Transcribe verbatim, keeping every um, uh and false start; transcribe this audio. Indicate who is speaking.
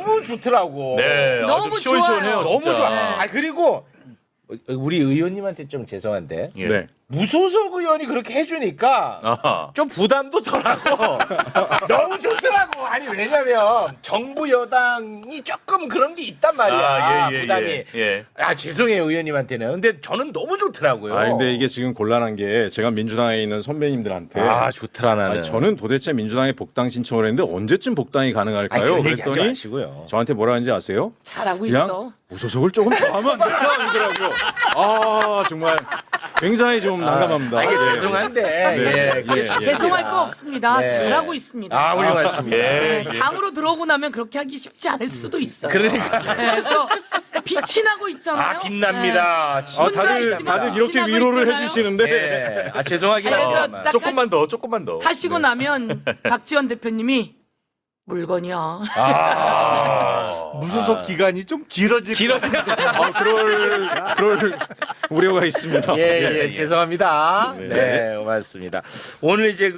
Speaker 1: 너무 좋더라고.
Speaker 2: 네,
Speaker 3: 너무
Speaker 2: 아주 시원시원해요.
Speaker 3: 좋아요.
Speaker 1: 너무
Speaker 2: 진짜.
Speaker 1: 좋아. 아 그리고 우리 의원님한테 좀 죄송한데
Speaker 2: 예.
Speaker 4: 네.
Speaker 1: 무소속 의원이 그렇게 해주니까
Speaker 2: 아하.
Speaker 1: 좀 부담도 덜하고 너무 좋더라고. 아니 왜냐면 정부 여당이 조금 그런 게 있단 말이야.
Speaker 2: 아, 예, 예,
Speaker 1: 부담이.
Speaker 2: 예, 예.
Speaker 1: 아 죄송해요 의원님한테는. 근데 저는 너무 좋더라고요.
Speaker 4: 아 근데 이게 지금 곤란한 게 제가 민주당에 있는 선배님들한테
Speaker 1: 아 좋더라 나는.
Speaker 4: 아니, 저는 도대체 민주당에 복당 신청을 했는데 언제쯤 복당이
Speaker 1: 아니,
Speaker 4: 가능할까요?
Speaker 1: 그런 얘기 하지
Speaker 4: 그랬더니
Speaker 1: 마시고요.
Speaker 4: 저한테 뭐라 하는지 아세요?
Speaker 3: 잘하고
Speaker 4: 그냥
Speaker 3: 있어.
Speaker 4: 무소속을 조금 더 하면 안 될까 하더라고요. 아 정말 굉장히 좀 난감합니다.
Speaker 1: 아, 이게
Speaker 4: 예.
Speaker 1: 죄송한데
Speaker 4: 네,
Speaker 1: 예, 그게
Speaker 4: 예,
Speaker 1: 다
Speaker 4: 예.
Speaker 3: 죄송할
Speaker 1: 있습니다.
Speaker 3: 거 없습니다.
Speaker 1: 네.
Speaker 3: 잘하고 있습니다.
Speaker 1: 아 훌륭하십니다.
Speaker 2: 예,
Speaker 3: 네,
Speaker 2: 예.
Speaker 3: 당으로 들어오고 나면 그렇게 하기 쉽지 않을 수도 있어요.
Speaker 1: 그러니까.
Speaker 3: 네, 그래서 빛이 나고 있잖아요.
Speaker 1: 아 빛납니다.
Speaker 4: 아,
Speaker 3: 혼자
Speaker 4: 다들
Speaker 3: 있지만
Speaker 4: 다들 이렇게
Speaker 3: 지나고
Speaker 4: 위로를
Speaker 3: 있잖아요.
Speaker 4: 해주시는데
Speaker 1: 네. 아 죄송하긴
Speaker 3: 그래서
Speaker 1: 하지만.
Speaker 3: 딱
Speaker 2: 조금만 더, 조금만 더.
Speaker 3: 네. 하시고 나면 박지원 대표님이 물건이야.
Speaker 1: 아
Speaker 5: 무소속 기간이 좀 길어질
Speaker 1: 길어진
Speaker 4: 아, 그럴 그럴 우려가 있습니다.
Speaker 1: 예, 예, 죄송합니다.
Speaker 4: 네.
Speaker 1: 네, 고맙습니다. 오늘 이제